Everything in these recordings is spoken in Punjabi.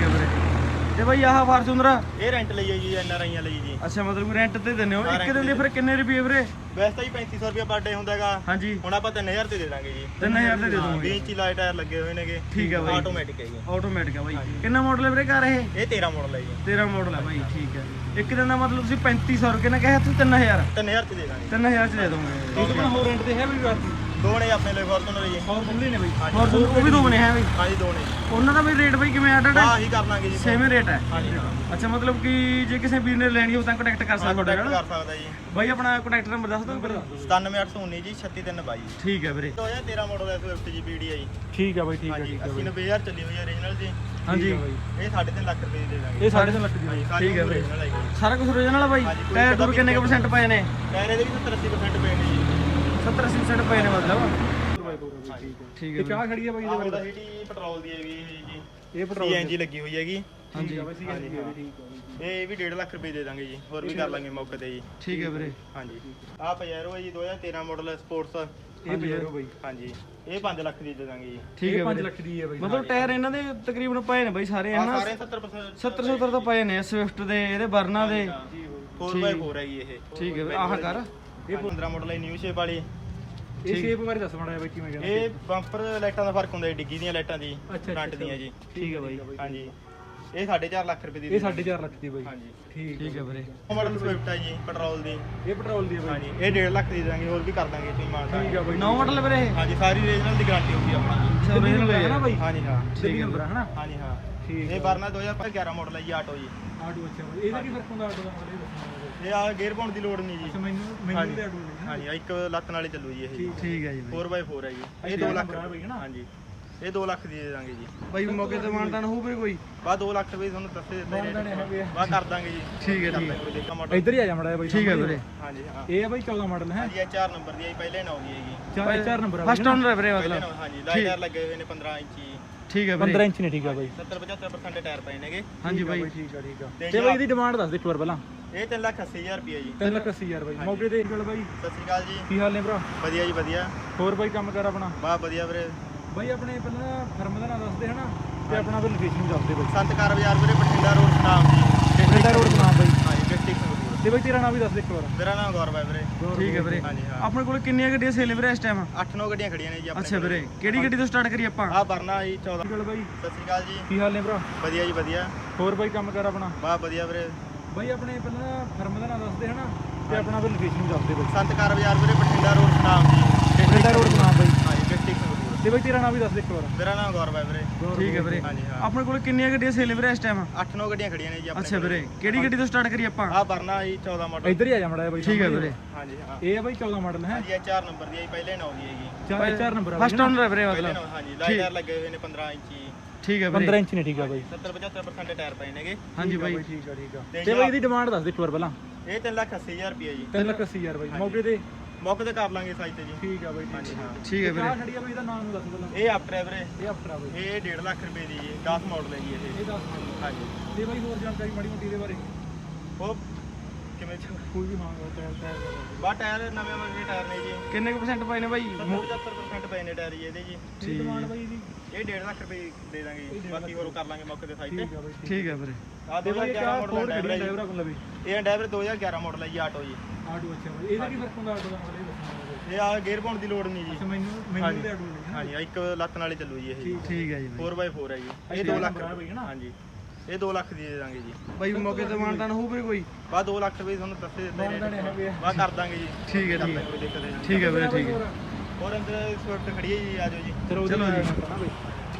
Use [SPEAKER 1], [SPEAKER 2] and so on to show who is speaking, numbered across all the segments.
[SPEAKER 1] है ਵੀਰੇ। ਤੇ ਬਾਈ ਆਹ ਫਾਰਚੂਨਰ
[SPEAKER 2] ਇਹ ਰੈਂਟ ਲਈ ਹੈ ਜੀ, ਐਨਆਰਆਈਆਂ ਲਈ ਜੀ।
[SPEAKER 1] ਅੱਛਾ ਮਤਲਬ ਰੈਂਟ ਤੇ ਦਿੰਦੇ ਹੋ। ਇੱਕ ਦਿਨ ਦੇ ਫਿਰ ਕਿੰਨੇ ਰੁਪਏ ਵੀਰੇ?
[SPEAKER 2] ਵੈਸੇ ਤਾਂ ਜੀ 3500 ਰੁਪਏ ਪਰ ਡੇ ਹੁੰਦਾ ਹੈਗਾ।
[SPEAKER 1] ਹਾਂਜੀ
[SPEAKER 2] ਹੁਣ ਆਪਾਂ 3000 ਤੇ ਦੇ ਦਾਂਗੇ ਜੀ।
[SPEAKER 1] 3000 ਤੇ ਦੇ
[SPEAKER 2] 20
[SPEAKER 1] ਦੋਗੇ।
[SPEAKER 2] ਇੰਚੀ ਲਾਈਟ ਟਾਇਰ ਲੱਗੇ ਹੋਏ ਨੇਗੇ।
[SPEAKER 1] ਠੀਕ ਹੈ ਬਾਈ,
[SPEAKER 2] ਆਟੋਮੈਟਿਕ ਹੈ ਜੀ।
[SPEAKER 1] ਆਟੋਮੈਟਿਕ ਹੈ ਬਾਈ। ਕਿੰਨਾ ਮਾਡਲ ਹੈ ਵੀਰੇ ਕਾਰ ਇਹ?
[SPEAKER 2] ਇਹ 13 ਮਾਡਲ ਹੈ ਜੀ।
[SPEAKER 1] 13 ਮਾਡਲ ਹੈ ਬਾਈ। ਠੀਕ ਹੈ। ਇੱਕ ਦਿਨ ਦਾ ਮਤਲਬ ਤੁਸੀਂ 3500 ਰੁਪਏ ਨਾਲ ਕਿਹਾ ਤੁਸੀਂ 3000
[SPEAKER 2] 3000 ਤੇ ਦੇ ਦਾਂਗੇ।
[SPEAKER 1] 3000 ਚ ਦੇ ਦੋਗੇ।
[SPEAKER 2] ਇੱਕ
[SPEAKER 1] ਹੋਰ ਰੈਂਟ ਤੇ ਹੈ ਵੀ
[SPEAKER 2] ਦੋ ਨੇ ਆਪਣੇ ਲਈ ਫੋਰਚੂਨਰ ਜੀ।
[SPEAKER 1] ਫੋਰਚੂਨਰ ਨੇ ਬਾਈ। ਫੋਰਚੂਨਰ ਉਹ ਵੀ ਦੋ ਬਣੇ ਹੈ ਬਾਈ।
[SPEAKER 2] ਹਾਂਜੀ ਦੋ ਨੇ ਜੀ।
[SPEAKER 1] ਉਹਨਾਂ ਦਾ ਵੀ ਰੇਟ ਬਾਈ ਕਿਵੇਂ ਐਡਡ ਹੈ?
[SPEAKER 2] ਹਾਂ ਹੀ ਕਰ ਲਾਂਗੇ ਜੀ।
[SPEAKER 1] ਸੇਮ ਰੇਟ ਹੈ।
[SPEAKER 2] ਹਾਂਜੀ ਹਾਂ।
[SPEAKER 1] ਅੱਛਾ ਮਤਲਬ ਕਿ ਜੇ ਕਿਸੇ ਵੀਰ ਨੇ ਲੈਣੀ ਹੋ ਤਾਂ ਕੰਟੈਕਟ ਕਰ ਸਕਦਾ ਤੁਹਾਡੇ ਨਾਲ।
[SPEAKER 2] ਕਰ ਸਕਦਾ ਜੀ
[SPEAKER 1] ਬਾਈ ਆਪਣਾ ਕੰਟੈਕਟ ਨੰਬਰ ਦੱਸ ਦਿਓ।
[SPEAKER 2] 97819 ਜੀ 3622।
[SPEAKER 1] ਠੀਕ ਹੈ ਵੀਰੇ।
[SPEAKER 2] 2013 ਮਾਡਲ ਹੈ ਸਵਿਫਟ ਜੀ ਪੀਡੀ ਹੈ ਜੀ।
[SPEAKER 1] ਠੀਕ ਹੈ ਬਾਈ। ਠੀਕ ਹੈ
[SPEAKER 2] ਹਾਂਜੀ
[SPEAKER 1] ਠੀਕ ਹੈ
[SPEAKER 2] 80-90000 ਚੱਲੀ ਹੋਈ ਹੈ ਓਰੀਜਨਲ ਜੀ।
[SPEAKER 1] ਹਾਂਜੀ
[SPEAKER 2] ਇਹ 3.5 ਲੱਖ ਰੁਪਏ ਦੀ ਦੇ ਦਾਂਗੇ।
[SPEAKER 1] ਇਹ 3.5 ਲੱਖ ਦੀ ਬਾਈ। ਠੀਕ ਹੈ ਵੀਰੇ।
[SPEAKER 2] original ਹੈ ਜੀ।
[SPEAKER 1] ਸਾਰਾ ਕੁਝ ਓਰੀਜਨਲ ਹੈ ਬਾਈ। ਟਾਇਰ ਟੂਰ ਕਿੰਨੇ ਕੁ % ਪਏ ਨੇ?
[SPEAKER 2] ਟਾਇਰ ਇਹਦੇ ਵੀ 70-80% ਪਏ ਨੇ ਜੀ।
[SPEAKER 1] 70-80% ਪਏ ਨੇ ਮਤਲਬ। ਠੀਕ ਹੈ।
[SPEAKER 2] ਇਹ ਚਾਹ ਖੜੀ ਹੈ ਬਾਈ ਇਹਦੇ ਵਿੱਚ। ਸਿਟੀ ਪੈਟਰੋਲ ਦੀ ਹੈਗੀ ਜੀ। ਇਹ ਪੈਟਰੋਲ ਸੀਐਨਜੀ ਲੱਗੀ ਹੋਈ ਹੈਗੀ।
[SPEAKER 1] ਹਾਂਜੀ
[SPEAKER 2] ਇਹ ਵੀ 1.5 ਲੱਖ ਰੁਪਏ ਦੇ ਦਾਂਗੇ ਜੀ। ਹੋਰ ਵੀ ਕਰ ਲਾਂਗੇ ਮੌਕੇ ਤੇ ਜੀ।
[SPEAKER 1] ਠੀਕ ਹੈ ਵੀਰੇ।
[SPEAKER 2] ਹਾਂਜੀ ਆਹ ਪਜੈਰੋ ਹੈ ਜੀ 2013 ਮਾਡਲ ਸਪੋਰਟਸ।
[SPEAKER 1] ਇਹ ਪਜੈਰੋ ਬਾਈ।
[SPEAKER 2] ਹਾਂਜੀ ਇਹ 5 ਲੱਖ ਦੀ ਦੇ ਦਾਂਗੇ ਜੀ।
[SPEAKER 1] ਠੀਕ ਹੈ 5 ਲੱਖ ਦੀ ਹੈ ਬਾਈ। ਮਤਲਬ ਟਾਇਰ ਇਹਨਾਂ ਦੇ ਤਕਰੀਬਨ ਪਏ ਨੇ ਬਾਈ ਸਾਰੇ ਹਨਾ।
[SPEAKER 2] ਸਾਰੇ 70%
[SPEAKER 1] 70 ਤਾਂ ਪਏ ਨੇ ਸਵਿਫਟ ਦੇ, ਇਹਦੇ ਵਰਨਾ ਦੇ।
[SPEAKER 2] 4x4 ਹੈ ਜੀ ਇਹ।
[SPEAKER 1] ਠੀਕ ਹੈ ਆਹ ਕਰ।
[SPEAKER 2] ਇਹ 15 ਮਾਡਲ ਹੈ ਨਿਊ ਸ਼ੇਪ ਵਾਲੀ।
[SPEAKER 1] ਇਹ ਸ਼ੇਪ ਬਾਰੇ ਦੱਸ ਮਾੜਾ ਬਾਈ ਕਿਵੇਂ ਕਹਿੰਦੇ?
[SPEAKER 2] ਇਹ ਬੰਪਰ ਲਾਈਟਾਂ ਦਾ ਫਰਕ ਹੁੰਦਾ ਹੈ, ਡਿੱਗੀ ਦੀਆਂ ਲਾਈਟਾਂ ਦੀ ਫਰੰਟ ਦੀਆਂ ਜੀ।
[SPEAKER 1] ਠੀਕ ਹੈ ਬਾਈ।
[SPEAKER 2] ਹਾਂਜੀ ਇਹ 4.5 ਲੱਖ ਰੁਪਏ ਦੀ।
[SPEAKER 1] ਇਹ 4.5 ਲੱਖ ਦੀ ਬਾਈ।
[SPEAKER 2] ਹਾਂਜੀ
[SPEAKER 1] ਠੀਕ ਹੈ ਵੀਰੇ।
[SPEAKER 2] ਮਾਡਲ ਸਵਿਫਟ ਹੈ ਜੀ ਪੈਟਰੋਲ ਦੀ।
[SPEAKER 1] ਇਹ ਪੈਟਰੋਲ ਦੀ ਹੈ ਬਾਈ।
[SPEAKER 2] ਹਾਂਜੀ ਇਹ 1.5 ਲੱਖ ਦੀ ਦਾਂਗੇ। ਹੋਰ ਵੀ ਕਰ ਦਾਂਗੇ ਤੁਸੀਂ ਮਾਨਤਾ।
[SPEAKER 1] ਠੀਕ ਹੈ ਬਾਈ। ਨੌ ਮਾਡਲ ਵੀਰੇ ਇਹ?
[SPEAKER 2] ਹਾਂਜੀ ਸਾਰੀ ਰੀਜਨਲ ਦੀ ਗਾਰੰਟੀ ਹੋਊਗੀ ਆਪਣੀ।
[SPEAKER 1] ਓਰੀਜਨਲ ਹੈ ਨਾ ਬਾਈ?
[SPEAKER 2] ਹਾਂਜੀ ਹਾਂ
[SPEAKER 1] ਠੀਕ ਨੰਬਰ ਹੈ ਨਾ?
[SPEAKER 2] ਹਾਂਜੀ ਹਾਂ।
[SPEAKER 1] ਠੀਕ
[SPEAKER 2] ਇਹ ਵਰਨਾ 2011 ਮਾਡਲ ਹੈ ਜੀ ਆਟੋ ਜੀ।
[SPEAKER 1] ਆਟੋ ਅੱਛਾ ਬਾਈ। ਇਹਦਾ ਕੀ ਫਰਕ ਹੁੰਦਾ ਆਟੋ ਦਾ?
[SPEAKER 2] ਇਹ ਆ ਗੇਅਰ ਪਾਉਣ ਦੀ ਲੋੜ ਨਹੀਂ ਜੀ।
[SPEAKER 1] ਮੈਨੂੰ ਤੇ ਆਟੋ ਨਹੀਂ।
[SPEAKER 2] ਹਾਂਜੀ ਇੱਕ ਲੱਤ ਨਾਲ ਹੀ ਚੱਲੂ ਜੀ ਇਹ।
[SPEAKER 1] ਠੀਕ ਹੈ ਜੀ ਬਾਈ।
[SPEAKER 2] 4x4 ਹੈ ਜੀ। ਇਹ 2 ਲੱਖ ਹਾਂਜੀ ਇਹ 2 ਲੱਖ ਦੀ ਦੇ ਦਾਂਗੇ ਜੀ।
[SPEAKER 1] ਬਾਈ ਮੌਕੇ ਤੇ ਮਾਨਤਾਨ ਹੋਊ ਵੀਰੇ ਕੋਈ?
[SPEAKER 2] ਬਾ 2 ਲੱਖ ਰੁਪਏ ਤੁਹਾਨੂੰ ਦੱਸੇ ਦਿੱਤੇ ਬਾ ਕਰ ਦਾਂਗੇ ਜੀ।
[SPEAKER 1] ਠੀਕ ਹੈ ਠੀਕ ਹੈ। ਇੱਧਰ ਹੀ ਆ ਜਾ ਮੜਾ ਬਾਈ। ਠੀਕ ਹੈ ਵੀਰੇ।
[SPEAKER 2] ਹਾਂਜੀ ਹਾਂ
[SPEAKER 1] ਇਹ ਆ ਬਾਈ 14 ਮਾਡਲ ਹੈ।
[SPEAKER 2] ਹਾਂਜੀ ਇਹ 4 ਨੰਬਰ ਦੀ ਹੈ ਪਹਿਲੇ 9 ਦੀ ਹੈਗੀ।
[SPEAKER 1] 4 ਨੰਬਰ ਫਸਟ ਓਨਰ ਹੈ ਵੀਰੇ ਮਤਲਬ।
[SPEAKER 2] ਹਾਂਜੀ ਲਾਈਟਰ ਲੱਗੇ ਹੋਏ ਨੇ 15 ਇੰਚੀ।
[SPEAKER 1] ਠੀਕ ਹੈ ਵੀਰੇ। 15 ਇੰਚ ਨੇ। ਠੀਕ ਹੈ ਬਾਈ।
[SPEAKER 2] 70-75% ਟਾਇਰ ਪਏ ਨੇਗੇ।
[SPEAKER 1] ਹਾਂਜੀ ਬਾਈ। ਠੀਕ ਹੈ ਠੀਕ ਹੈ। ਤੇ ਬਾਈ ਇਹਦੀ ਡਿਮਾਂਡ ਦੱਸ ਦੇ ਇੱਕ ਵਾਰ ਪਹਿਲਾਂ।
[SPEAKER 2] ਇਹ 3,80,000 ਰੁਪਏ ਜੀ।
[SPEAKER 1] 3,80,000 ਬਾਈ। ਮੌਕੇ ਤੇ ਗੱਲ ਬਾਈ।
[SPEAKER 2] ਸਤਿ ਸ਼੍ਰੀ ਅਕਾਲ ਜੀ।
[SPEAKER 1] ਕੀ ਹਾਲ ਨੇ ਭਰਾ?
[SPEAKER 2] ਵਧੀਆ ਜੀ ਵਧੀਆ।
[SPEAKER 1] ਹੋਰ ਬਾਈ ਕੰਮ ਕਰ ਆਪਣਾ?
[SPEAKER 2] ਬਾ ਵਧੀਆ ਵੀਰੇ।
[SPEAKER 1] ਬਾਈ ਆਪਣੇ ਪਹਿਲਾਂ ਫਰਮ ਦਾ ਨਾਮ ਦੱਸਦੇ ਹਨਾ ਤੇ ਆਪਣਾ ਫਿਰ ਲੋਕੇਸ਼ਨ ਵੀ ਦੱਸਦੇ ਬਾਈ।
[SPEAKER 2] ਸੰਤਕਾਰ ਬਾਜ਼ਾਰ ਵੀਰੇ ਬਠਿੰਡਾ ਰੋਡ ਸਟਾਮ ਜੀ।
[SPEAKER 1] ਬਠਿੰਡਾ ਰੋਡ ਨਾਮ ਬਾਈ।
[SPEAKER 2] ਹਾਂਜੀ ਡਿਸਟ੍ਰਿਕਟ ਸੰਗਰੂਰ।
[SPEAKER 1] ਤੇ ਬਾਈ ਤੇਰਾ ਨਾਮ ਵੀ ਦੱਸ ਦੇ ਇੱਕ ਵਾਰ।
[SPEAKER 2] ਮੇਰਾ ਨਾਮ ਗੌਰਵ ਹੈ ਵੀਰੇ।
[SPEAKER 1] ਠੀਕ ਹੈ ਵੀਰੇ।
[SPEAKER 2] ਹਾਂਜੀ ਹਾਂ।
[SPEAKER 1] ਆਪਣੇ ਕੋਲ ਕਿੰਨੀਆਂ ਗੱਡੀਆਂ ਸੇਲ ਵੀਰੇ ਇਸ ਟਾਈਮ?
[SPEAKER 2] 8-9 ਗੱਡੀਆਂ ਖੜੀਆਂ ਨੇ ਜੀ ਆਪਣੇ।
[SPEAKER 1] ਅੱਛਾ ਵੀਰੇ ਕਿਹੜੀ ਗੱਡੀ ਤੋਂ ਸਟਾਰਟ ਕਰੀਏ ਆਪਾਂ?
[SPEAKER 2] ਆਹ ਵਰਨਾ ਜੀ 14।
[SPEAKER 1] ਗੱਲ ਬਾਈ।
[SPEAKER 2] ਸਤਿ ਸ਼੍ਰੀ ਅਕਾਲ ਜੀ।
[SPEAKER 1] ਕੀ ਹਾਲ ਨੇ ਭਰਾ?
[SPEAKER 2] ਵਧੀਆ ਜੀ ਵਧੀਆ।
[SPEAKER 1] ਹੋਰ ਬਾਈ ਕੰਮ ਕਰ ਆਪਣਾ?
[SPEAKER 2] ਬਾ ਵਧੀਆ ਵੀਰੇ।
[SPEAKER 1] ਬਾਈ ਆਪਣੇ ਪਹਿਲਾਂ ਫਰਮ ਦਾ ਨਾਮ ਦੱਸਦੇ ਹਨਾ ਤੇ ਆਪਣਾ ਫਿਰ ਲੋਕੇਸ਼ਨ ਵੀ ਦੱਸਦੇ ਬਾਈ।
[SPEAKER 2] ਸੰਤਕਾਰ ਬਾਜ਼ਾਰ ਵੀਰੇ ਬਠਿੰਡਾ ਰੋਡ ਸਟਾਮ ਜੀ।
[SPEAKER 1] ਬਠਿੰਡਾ ਰੋਡ ਨਾਮ ਬਾਈ।
[SPEAKER 2] ਹਾਂਜੀ ਡਿਸਟ੍ਰਿਕਟ ਸੰਗਰੂਰ।
[SPEAKER 1] ਤੇ ਬਾਈ ਤੇਰਾ ਨਾਮ ਵੀ ਦੱਸ ਦੇ ਇੱਕ ਵਾਰ।
[SPEAKER 2] ਮੇਰਾ ਨਾਮ ਗੌਰਵ ਹੈ ਵੀਰੇ।
[SPEAKER 1] ਠੀਕ ਹੈ ਵੀਰੇ।
[SPEAKER 2] ਹਾਂਜੀ ਹਾਂ।
[SPEAKER 1] ਆਪਣੇ ਕੋਲ ਕਿੰਨੀਆਂ ਗੱਡੀਆਂ ਸੇਲ ਵੀਰੇ ਇਸ ਟਾਈਮ?
[SPEAKER 2] 8-9 ਗੱਡੀਆਂ ਖੜੀਆਂ ਨੇ ਜੀ ਆਪਣੇ।
[SPEAKER 1] ਅੱਛਾ ਵੀਰੇ ਕਿਹੜੀ ਗੱਡੀ ਤੋਂ ਸਟਾਰਟ ਕਰੀਏ ਆਪਾਂ?
[SPEAKER 2] ਆਹ ਵਰਨਾ ਜੀ 14 ਮਾਡਲ।
[SPEAKER 1] ਇੱਧਰ ਹੀ ਆ ਜਾ ਮੜਾ ਬਾਈ। ਠੀਕ ਹੈ ਵੀਰੇ।
[SPEAKER 2] ਹਾਂਜੀ ਹਾਂ।
[SPEAKER 1] ਇਹ ਆ ਬਾਈ 14 ਮਾਡਲ ਹੈ।
[SPEAKER 2] ਹਾਂਜੀ ਇਹ 4 ਨੰਬਰ ਦੀ ਹੈ ਜੀ ਪਹਿਲੇ 9 ਦੀ ਹੈਗੀ।
[SPEAKER 1] 4 ਨੰਬਰ ਫਸਟ ਓਨਰ ਹੈ ਵੀਰੇ
[SPEAKER 2] ਪਹਿਲੇ
[SPEAKER 1] ਮਤਲਬ।
[SPEAKER 2] ਹਾਂਜੀ ਲਾਈਟਰ ਲੱਗੇ ਹੋਏ ਨੇ 15 ਇੰਚੀ।
[SPEAKER 1] ਠੀਕ ਹੈ ਵੀਰੇ। 15 ਇੰਚ ਨੇ। ਠੀਕ ਹੈ ਬਾਈ।
[SPEAKER 2] 70-75% ਟਾਇਰ ਪਏ ਨੇਗੇ।
[SPEAKER 1] ਹਾਂਜੀ ਬਾਈ। ਠੀਕ ਹੈ ਠੀਕ ਹੈ। ਤੇ ਬਾਈ ਇਹਦੀ ਡਿਮਾਂਡ ਦੱਸ ਦੇ ਇੱਕ ਵਾਰ ਪਹਿਲਾਂ।
[SPEAKER 2] ਇਹ 3,80,000 ਰੁਪਏ ਜੀ।
[SPEAKER 1] 3,80,000 ਬਾਈ। ਮੌਕੇ ਤੇ
[SPEAKER 2] ਕਰ ਲਾਂਗੇ ਸਾਈਜ਼ ਤੇ ਜੀ।
[SPEAKER 1] ਠੀਕ ਹੈ ਬਾਈ।
[SPEAKER 2] ਹਾਂਜੀ ਹਾਂ।
[SPEAKER 1] ਠੀਕ ਹੈ ਵੀਰੇ। ਖੜੀ ਆ ਬਾਈ ਇਹਦਾ ਨਾਮ ਦੱਸ ਪਹਿਲਾਂ।
[SPEAKER 2] ਇਹ ਆਫਟਰ ਹੈ ਵੀਰੇ।
[SPEAKER 1] ਇਹ ਆਫਟਰ ਆ ਬਾਈ।
[SPEAKER 2] ਇਹ 1.5 ਲੱਖ ਰੁਪਏ ਦੀ ਜੀ। 10 ਮਾਡਲ ਹੈ ਜੀ ਇਹ।
[SPEAKER 1] ਇਹ 10 ਮਾਡਲ।
[SPEAKER 2] ਹਾਂਜੀ
[SPEAKER 1] ਤੇ ਬਾਈ ਹੋਰ ਜਾਣਕਾਰੀ ਮਾੜੀ ਮੋਟੀ ਦੇ ਬਾਰੇ।
[SPEAKER 2] ਉਹ ਕਿਵੇਂ
[SPEAKER 1] ਕੋਈ ਵੀ ਮੰਗਦਾ ਟਾਇਰ
[SPEAKER 2] ਬਾ ਟਾਇਰ ਨਵੇਂ ਮੰਗੇ ਟਾਇਰ ਨੇ ਜੀ।
[SPEAKER 1] ਕਿੰਨੇ ਕੁ % ਪਏ ਨੇ ਬਾਈ?
[SPEAKER 2] 75% ਪਏ ਨੇ ਟਾਇਰ ਜੀ ਇਹਦੇ ਜੀ।
[SPEAKER 1] ਠੀਕ ਡਿਮਾਂਡ ਬਾਈ ਇਹਦੀ।
[SPEAKER 2] ਇਹ 1.5 ਲੱਖ ਰੁਪਏ ਦੇ ਦਾਂਗੇ ਜੀ। ਬਾਕੀ ਹੋਰ ਕਰ ਲਾਂਗੇ ਮੌਕੇ ਤੇ ਸਾਈਜ਼ ਤੇ।
[SPEAKER 1] ਠੀਕ ਹੈ ਵੀਰੇ।
[SPEAKER 2] ਆ 2011 ਮਾਡਲ ਹੈ ਡਰਾਈਵਰ
[SPEAKER 1] ਡਰਾਈਵਰ ਕੋਲ ਵੀ।
[SPEAKER 2] ਇਹ ਡਰਾਈਵਰ 2011 ਮਾਡਲ ਹੈ ਜੀ ਆਟੋ ਜੀ।
[SPEAKER 1] ਆਟੋ ਅੱਛਾ ਬਾਈ। ਇਹਦਾ ਕੀ ਫਰਕ ਹੁੰਦਾ ਆਟੋ ਦਾ?
[SPEAKER 2] ਇਹ ਆ ਗੇਅਰ ਪਾਉਣ ਦੀ ਲੋੜ ਨਹੀਂ ਜੀ।
[SPEAKER 1] ਮੈਨੂੰ ਤੇ ਆਟੋ ਨਹੀਂ।
[SPEAKER 2] ਹਾਂਜੀ ਇੱਕ ਲੱਤ ਨਾਲ ਹੀ ਚੱਲੂ ਜੀ ਇਹ।
[SPEAKER 1] ਠੀਕ ਹੈ ਜੀ ਬਾਈ।
[SPEAKER 2] 4x4 ਹੈ ਜੀ। ਇਹ 2 ਲੱਖ ਰੁਪਏ ਹਾਂਜੀ ਇਹ 2 ਲੱਖ ਦੀ ਦੇ ਦਾਂਗੇ ਜੀ।
[SPEAKER 1] ਬਾਈ ਮੌਕੇ ਤੇ ਮਾਨਤਾਨ ਹੋਊ ਵੀਰੇ ਕੋਈ?
[SPEAKER 2] ਬਾ 2 ਲੱਖ ਰੁਪਏ ਤੁਹਾਨੂੰ ਦੱਸੇ ਦਿੱਤੇ ਬਾ ਕਰ ਦਾਂਗੇ ਜੀ।
[SPEAKER 1] ਠੀਕ ਹੈ ਠੀਕ ਹੈ। ਠੀਕ ਹੈ ਵੀਰੇ ਠੀਕ ਹੈ।
[SPEAKER 2] ਹੋਰ ਅੰਦਰ ਸਵਿਫਟ ਖੜੀ ਹੈ ਜੀ। ਆਜੋ ਜੀ।
[SPEAKER 1] ਚਲੋ ਜੀ।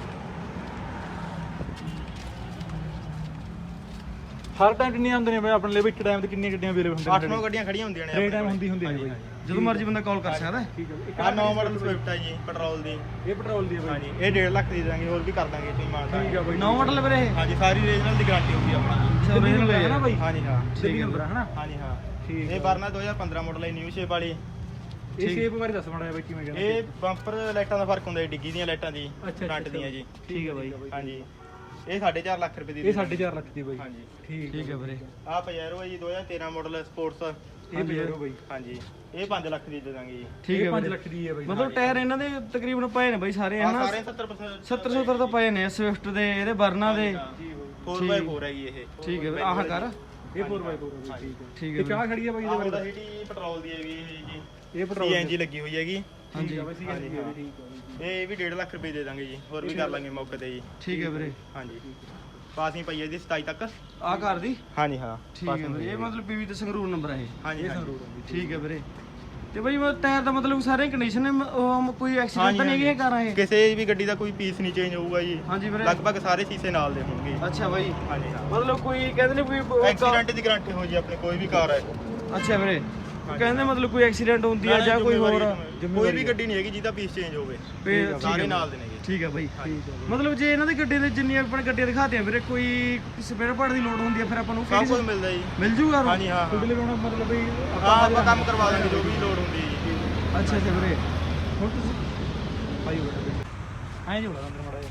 [SPEAKER 1] ਹਰ ਟਾਈਮ ਕਿੰਨੀਆਂ ਹੁੰਦੀਆਂ ਨੇ ਬਾਈ ਆਪਣੇ ਲਈ? ਇੱਕ ਟਾਈਮ ਤੇ ਕਿੰਨੀਆਂ ਗੱਡੀਆਂ ਅਵੇਲੇਬਲ ਹੁੰਦੀਆਂ ਨੇ?
[SPEAKER 2] 8-9 ਗੱਡੀਆਂ ਖੜੀਆਂ ਹੁੰਦੀਆਂ ਨੇ
[SPEAKER 1] ਆਪਣੇ ਟਾਈਮ ਹੁੰਦੀ ਨੇ ਬਾਈ। ਜਦੋਂ ਮਰਜ਼ੀ ਬੰਦਾ ਕਾਲ ਕਰ ਸਕਦਾ ਹੈ। ਠੀਕ ਹੈ।
[SPEAKER 2] ਆਹ 9 ਮਾਡਲ ਸਵਿਫਟ ਹੈ ਜੀ ਪੈਟਰੋਲ ਦੀ।
[SPEAKER 1] ਇਹ ਪੈਟਰੋਲ ਦੀ ਹੈ ਬਾਈ।
[SPEAKER 2] ਹਾਂਜੀ ਇਹ 1.5 ਲੱਖ ਦੀ ਦਾਂਗੇ। ਹੋਰ ਵੀ ਕਰ ਦਾਂਗੇ ਤੁਸੀਂ ਮਾਨਤਾ।
[SPEAKER 1] ਠੀਕ ਹੈ ਬਾਈ। 9 ਮਾਡਲ ਵੀਰੇ ਇਹ?
[SPEAKER 2] ਹਾਂਜੀ ਸਾਰੀ ਰੀਜਨਲ ਦੀ ਗਾਰੰਟੀ ਹੋਊਗੀ ਆਪਣੀ।
[SPEAKER 1] ਓਰੀਜਨਲ ਹੈ ਨਾ ਬਾਈ?
[SPEAKER 2] ਹਾਂਜੀ ਹਾਂ।
[SPEAKER 1] ਠੀਕ ਨੰਬਰ ਹੈ ਨਾ?
[SPEAKER 2] ਹਾਂਜੀ ਹਾਂ।
[SPEAKER 1] ਠੀਕ
[SPEAKER 2] ਇਹ ਵਰਨਾ 2015 ਮਾਡਲ ਹੈ ਨਿਊ ਸ਼ੇਪ ਵਾਲੀ।
[SPEAKER 1] ਇਹ ਸ਼ੇਪ ਬਾਰੇ ਦੱਸ ਮਾੜਾ ਬਾਈ ਕਿਵੇਂ ਕਹਿੰਦੇ?
[SPEAKER 2] ਇਹ ਬੰਪਰ ਲਾਈਟਾਂ ਦਾ ਫਰਕ ਹੁੰਦਾ ਹੈ, ਡਿੱਗੀ ਦੀਆਂ ਲਾਈਟਾਂ ਦੀ ਫਰੰਟ ਦੀਆਂ ਜੀ।
[SPEAKER 1] ਠੀਕ ਹੈ ਬਾਈ।
[SPEAKER 2] ਹਾਂਜੀ ਇਹ 4.5 ਲੱਖ ਰੁਪਏ ਦੀ।
[SPEAKER 1] ਇਹ 4.5 ਲੱਖ ਦੀ ਬਾਈ।
[SPEAKER 2] ਹਾਂਜੀ
[SPEAKER 1] ਠੀਕ ਹੈ ਵੀਰੇ।
[SPEAKER 2] ਆਹ ਪਜੈਰੋ ਹੈ ਜੀ 2013 ਮਾਡਲ ਸਪੋਰਟਸ।
[SPEAKER 1] ਇਹ ਪਜੈਰੋ ਬਾਈ।
[SPEAKER 2] ਹਾਂਜੀ ਇਹ 5 ਲੱਖ ਦੀ ਦੇ ਦਾਂਗੇ ਜੀ।
[SPEAKER 1] ਠੀਕ ਹੈ 5 ਲੱਖ ਦੀ ਹੈ ਬਾਈ। ਮਤਲਬ ਟਾਇਰ ਇਹਨਾਂ ਦੇ ਤਕਰੀਬਨ ਪਏ ਨੇ ਬਾਈ ਸਾਰੇ ਹਨਾ।
[SPEAKER 2] ਸਾਰੇ 70%
[SPEAKER 1] 70 ਤਾਂ ਪਏ ਨੇ ਸਵਿਫਟ ਦੇ, ਇਹਦੇ ਵਰਨਾ ਦੇ।
[SPEAKER 2] 4x4 ਹੈਗੀ ਇਹ।
[SPEAKER 3] ਠੀਕ ਹੈ ਵੀਰੇ ਆਹ ਕਰ
[SPEAKER 1] ਇਹ 4x4 ਹੈ ਠੀਕ ਹੈ
[SPEAKER 3] ਠੀਕ
[SPEAKER 1] ਇਹ
[SPEAKER 3] ਹੈ
[SPEAKER 1] ਚਾਹ ਖੜੀ ਹੈ ਬਾਈ
[SPEAKER 2] ਆਹ
[SPEAKER 1] ਇਹਦੇ
[SPEAKER 2] ਉਹਦਾ ਸਿਟੀ ਪੈਟਰੋਲ ਦੀ ਹੈਗੀ ਇਹ ਜੀ।
[SPEAKER 1] ਇਹ ਪੈਟਰੋਲ
[SPEAKER 2] CNG ਲੱਗੀ ਹੋਈ ਹੈਗੀ।
[SPEAKER 3] ਹਾਂਜੀ
[SPEAKER 1] ਠੀਕ ਹੈ ਠੀਕ ਹੈ
[SPEAKER 2] ਇਹ ਵੀ 1.5 ਲੱਖ ਰੁਪਏ ਦੇ ਦਾਂਗੇ ਜੀ, ਹੋਰ ਵੀ ਕਰ ਲਾਂਗੇ ਮੌਕੇ ਤੇ ਜੀ।
[SPEAKER 3] ਠੀਕ ਹੈ ਵੀਰੇ
[SPEAKER 2] ਹਾਂਜੀ ਪਾਸਿੰਗ ਪਈ ਹੈ ਜੀ 27 ਤੱਕ।
[SPEAKER 3] ਆਹ ਕਰ ਦੀ
[SPEAKER 2] ਹਾਂਜੀ ਹਾਂ
[SPEAKER 3] ਠੀਕ ਹੈ ਵੀਰੇ ਇਹ ਮਤਲਬ ਪੀਵੀ ਤੇ ਸੰਗਰੂਰ ਨੰਬਰ ਹੈ ਇਹ
[SPEAKER 2] ਹਾਂਜੀ
[SPEAKER 3] ਠੀਕ ਹੈ ਵੀਰੇ ਤੇ ਬਈ ਟਾਇਰ ਦਾ ਮਤਲਬ ਸਾਰੇ ਕੰਡੀਸ਼ਨ ਨੇ ਕੋਈ ਐਕਸੀਡੈਂਟ ਤਾਂ ਨਹੀਂ ਹੈਗੇ ਕਾਰਾਂ ਇਹ
[SPEAKER 2] ਕਿਸੇ ਵੀ ਗੱਡੀ ਦਾ ਕੋਈ ਪੀਸ ਨਹੀਂ ਚੇਂਜ ਹੋਊਗਾ ਜੀ।
[SPEAKER 3] ਹਾਂਜੀ ਵੀਰੇ
[SPEAKER 2] ਲਗਭਗ ਸਾਰੇ ਸ਼ੀਸ਼ੇ ਨਾਲ ਦੇ ਹੋਣਗੇ।
[SPEAKER 3] ਅੱਛਾ ਬਾਈ
[SPEAKER 2] ਹਾਂਜੀ ਹਾਂ
[SPEAKER 3] ਮਤਲਬ ਕੋਈ ਕਹਿੰਦੇ ਨੇ ਕੋਈ
[SPEAKER 2] ਐਕਸੀਡੈਂਟ ਦੀ ਗਾਰੰਟੀ ਹੋ ਜੀ ਆਪਣੇ ਕੋਈ ਵੀ ਕਾਰ ਹੈ।
[SPEAKER 3] ਅੱਛਾ ਵੀਰੇ ਕਹਿੰਦੇ ਮਤਲਬ ਕੋਈ ਐਕਸੀਡੈਂਟ ਹੁੰਦੀ ਆ ਜਾਂ ਕੋਈ ਹੋਰ
[SPEAKER 2] ਕੋਈ ਵੀ ਗੱਡੀ ਨਹੀਂ ਹੈਗੀ ਜਿਹਦਾ ਪੀਸ ਚੇਂਜ ਹੋਵੇ, ਸਾਰੇ ਨਾਲ ਦੇ ਨੇਗੇ।
[SPEAKER 3] ਠੀਕ ਹੈ ਬਾਈ ਮਤਲਬ ਜੇ ਇਹਨਾਂ ਦੀ ਗੱਡੀ ਦੇ ਜਿੰਨੀਆਂ ਆਪਣੇ ਗੱਡੀਆਂ ਦਿਖਾਤੇ ਆ ਵੀਰੇ ਕੋਈ ਸਪੇਅਰ ਪਾਰਟ ਦੀ ਲੋੜ ਹੁੰਦੀ ਆ ਫਿਰ ਆਪਾਂ ਨੂੰ
[SPEAKER 2] ਸਭ ਕੁਝ ਮਿਲਦਾ ਜੀ।
[SPEAKER 3] ਮਿਲ ਜੂਗਾ
[SPEAKER 2] ਹਾਂਜੀ ਹਾਂ
[SPEAKER 1] ਤੁਹਾਡੇ ਲਈ ਮਤਲਬ ਬਈ
[SPEAKER 2] ਹਾਂ ਆਪਾਂ ਕੰਮ ਕਰਵਾ ਦਾਂਗੇ ਜੋ ਵੀ ਲੋੜ ਹੁੰਦੀ ਹੈ ਜੀ।
[SPEAKER 3] ਅੱਛਾ ਅੱਛਾ ਵੀਰੇ
[SPEAKER 1] ਹੁਣ ਤੁਸੀਂ ਭਾਈ ਬੜਾ ਐਂ ਜੀ ਬੜਾ ਅੰਦਰ ਮੜਾ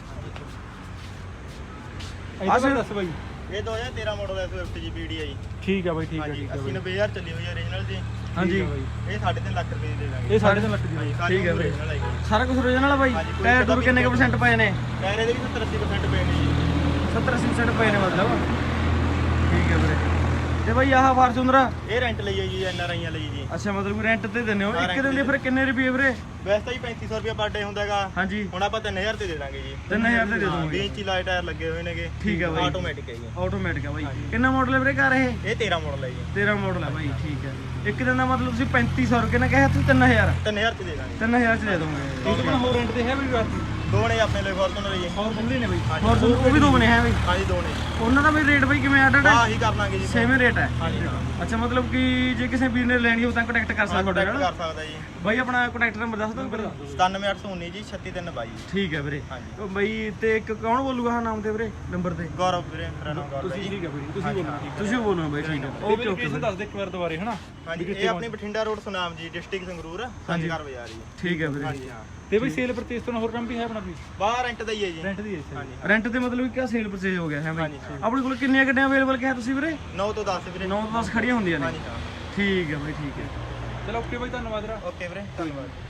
[SPEAKER 1] ਇਹ ਦੱਸ ਬਾਈ
[SPEAKER 2] ਇਹ 2013 ਮਾਡਲ ਹੈ ਸਵਿਫਟ ਜੀ PDI।
[SPEAKER 1] ਠੀਕ ਹੈ ਬਾਈ ਠੀਕ ਹੈ
[SPEAKER 2] ਹਾਂਜੀ
[SPEAKER 1] ਠੀਕ ਹੈ
[SPEAKER 2] 80-90,000 ਚੱਲੀ ਹੋਈ ਹੈ ਓਰੀਜਨਲ ਜੀ।
[SPEAKER 3] ਹਾਂਜੀ
[SPEAKER 2] ਇਹ 3.5 ਲੱਖ ਰੁਪਏ ਦੀ ਦੇ ਦਾਂਗੇ।
[SPEAKER 1] ਇਹ 3.5 ਲੱਖ ਦੀ
[SPEAKER 3] ਠੀਕ ਹੈ ਵੀਰੇ।
[SPEAKER 2] original ਹੈਗੀ।
[SPEAKER 3] ਸਾਰਾ ਕੁਝ ਓਰੀਜਨਲ ਆ ਬਾਈ ਟਾਇਰ ਟੂਰ ਕਿੰਨੇ ਕੁ % ਪਏ ਨੇ
[SPEAKER 2] ਟਾਇਰ ਇਹਦੇ ਵੀ 70-80% ਪਏ ਨੇ ਜੀ।
[SPEAKER 3] 70-80% ਪਏ ਨੇ ਮਤਲਬ ਠੀਕ ਹੈ ਵੀਰੇ ਤੇ ਬਾਈ ਆਹ ਫਾਰਚੂਨਰ
[SPEAKER 2] ਇਹ ਰੈਂਟ ਲਈ ਹੈ ਜੀ NRIਆਂ ਲਈ ਜੀ।
[SPEAKER 3] ਅੱਛਾ ਮਤਲਬ ਰੈਂਟ ਤੇ ਦਿੰਦੇ ਹੋ
[SPEAKER 2] ਹਾਂ,
[SPEAKER 3] ਇੱਕ
[SPEAKER 2] rent
[SPEAKER 3] ਦਿਨ ਦੇ ਫਿਰ ਕਿੰਨੇ ਰੁਪਏ ਵੀਰੇ
[SPEAKER 2] ਵੈਸੇ ਤਾਂ ਜੀ 3500 ਰੁਪਏ ਪਰ ਡੇ ਹੁੰਦਾ ਹੈਗਾ।
[SPEAKER 3] ਹਾਂਜੀ
[SPEAKER 2] ਹੁਣ ਆਪਾਂ 3000 ਤੇ ਦੇ ਦਾਂਗੇ ਜੀ।
[SPEAKER 3] 3000 ਤੇ ਦੇ
[SPEAKER 2] 20
[SPEAKER 3] ਦੋਗੇ
[SPEAKER 2] ਇੰਚੀ ਲਾਈਟ ਟਾਇਰ ਲੱਗੇ ਹੋਏ ਨੇਗੇ।
[SPEAKER 3] ਠੀਕ ਹੈ ਬਾਈ
[SPEAKER 2] ਆਟੋਮੈਟਿਕ ਹੈ ਜੀ।
[SPEAKER 3] ਆਟੋਮੈਟਿਕ ਆ ਬਾਈ ਕਿੰਨਾ ਮਾਡਲ ਹੈ ਵੀਰੇ ਕਾਰ ਇਹ
[SPEAKER 2] ਇਹ 13 ਮਾਡਲ ਹੈ ਜੀ।
[SPEAKER 3] 13 ਮਾਡਲ ਹੈ ਬਾਈ ਠੀਕ ਹੈ ਇੱਕ ਦਿਨ ਦਾ ਮਤਲਬ ਤੁਸੀਂ 3500 ਰੁਪਏ ਨਾਲ ਕਿਹਾ ਤੁਸੀਂ 3000
[SPEAKER 2] 3000 ਤੇ ਦੇ ਦਾਂਗੇ।
[SPEAKER 3] 3000 ਚ ਦੇ ਦੋਗੇ
[SPEAKER 1] ਇਹ ਤਾਂ ਹੋਰ ਰੈਂਟ ਤੇ ਹੈ ਵੀ ਵਾਸਤੇ
[SPEAKER 2] ਦੋ ਨੇ ਆਪਣੇ ਲਈ ਫੋਰਚੂਨਰ ਜੀ।
[SPEAKER 1] ਹੋਰ ਬੰਦੇ ਨੇ ਬਾਈ
[SPEAKER 3] ਹੋਰ ਉਹ ਵੀ ਦੋ ਬਣੇ ਹੈ ਬਾਈ
[SPEAKER 2] ਹਾਂਜੀ ਦੋ ਨੇ।
[SPEAKER 3] ਉਹਨਾਂ ਦਾ ਵੀ ਰੇਟ ਬਾਈ ਕਿਵੇਂ ਆਡਡ ਹੈ
[SPEAKER 2] ਹਾਂ ਹੀ ਕਰ ਲਾਂਗੇ ਜੀ।
[SPEAKER 3] ਸੇਮ ਰੇਟ ਹੈ
[SPEAKER 2] ਹਾਂਜੀ ਹਾਂ
[SPEAKER 3] ਅੱਛਾ ਮਤਲਬ ਕਿ ਜੇ ਕਿਸੇ ਵੀਰ ਨੇ ਲੈਣੀ ਹੋ ਤਾਂ ਕੰਟੈਕਟ ਕਰ ਸਕਦਾ ਤੁਹਾਡੇ
[SPEAKER 2] ਕੰਟੈਕਟ
[SPEAKER 3] ਨਾਲ
[SPEAKER 2] ਕਰ ਸਕਦਾ ਜੀ।
[SPEAKER 3] ਬਾਈ ਆਪਣਾ ਕੰਟੈਕਟ ਨੰਬਰ ਦੱਸ ਦਿਓ ਵੀਰੇ
[SPEAKER 2] 97819 ਜੀ 36322।
[SPEAKER 3] ਠੀਕ ਹੈ ਵੀਰੇ
[SPEAKER 2] ਹਾਂਜੀ
[SPEAKER 3] ਉਹ ਬਾਈ ਤੇ ਇੱਕ ਕੌਣ ਬੋਲੂਗਾ ਹਾਂ ਨਾਮ ਤੇ ਵੀਰੇ ਨੰਬਰ ਤੇ
[SPEAKER 2] ਗੌਰਵ ਵੀਰੇ ਮੇਰਾ ਨਾਮ ਗੌਰਵ ਹੈ
[SPEAKER 1] ਤੁਸੀਂ
[SPEAKER 2] ਜੀ।
[SPEAKER 1] ਠੀਕ ਹੈ ਬਾਈ ਤੁਸੀਂ ਬੋਲੋ ਠੀਕ
[SPEAKER 3] ਤੁਸੀਂ ਬੋਲਣਾ ਬਾਈ ਠੀਕ ਹੈ
[SPEAKER 1] ਹੈ
[SPEAKER 3] ਓਕੇ ਓਕੇ
[SPEAKER 1] ਲੋਕੇਸ਼ਨ ਦੱਸ ਦੇ ਇੱਕ ਵਾਰ ਦੁਬਾਰੇ ਹਨਾ
[SPEAKER 2] ਹਾਂਜੀ ਇਹ ਆਪਣੀ ਬਠਿੰਡਾ ਰੋਡ ਸੁਨਾਮ ਜੀ ਡਿਸਟ੍ਰਿਕਟ ਸੰਗਰੂਰ ਸੰਜਗੜ ਬਾਜ਼ਾਰ ਜੀ।
[SPEAKER 3] ਠੀਕ ਹੈ ਵੀਰੇ
[SPEAKER 2] ਹਾਂਜੀ ਹਾਂ
[SPEAKER 1] ਤੇ ਬਈ ਸੇਲ ਪਰਚੇਸ ਤੋਂ ਹੋਰ ਕੰਮ ਵੀ ਹੈ ਆਪਣਾ ਕੋਈ
[SPEAKER 2] ਬਾਹਰ ਰੈਂਟ ਦਾ ਹੀ ਹੈ ਜੀ।
[SPEAKER 1] ਰੈਂਟ ਦੀ ਹੈ
[SPEAKER 2] ਹਾਂਜੀ
[SPEAKER 3] ਰੈਂਟ ਤੇ ਮਤਲਬ ਕਿ ਸੇਲ ਪਰਚੇਜ ਹੋ ਗਿਆ ਹੈ ਬਾਈ
[SPEAKER 2] ਹਾਂਜੀ ਹਾਂ
[SPEAKER 3] ਆਪਣੇ ਕੋਲ ਕਿੰਨੀਆਂ ਗੱਡੀਆਂ ਅਵੇਲੇਬਲ ਕਿਹਾ ਤੁਸੀਂ ਵੀਰੇ
[SPEAKER 2] 9 ਤੋਂ 10 ਵੀਰੇ।
[SPEAKER 3] 9 ਤੋਂ 10 ਖੜੀਆਂ ਹੁੰਦੀਆਂ ਨੇ
[SPEAKER 2] ਹਾਂਜੀ ਹਾਂ
[SPEAKER 3] ਠੀਕ ਹੈ ਬਾਈ ਠੀਕ ਹੈ
[SPEAKER 1] ਚਲੋ ਓਕੇ ਬਾਈ ਧੰਨਵਾਦ ਰਾ
[SPEAKER 2] ਓਕੇ ਵੀਰੇ ਧੰਨਵਾਦ।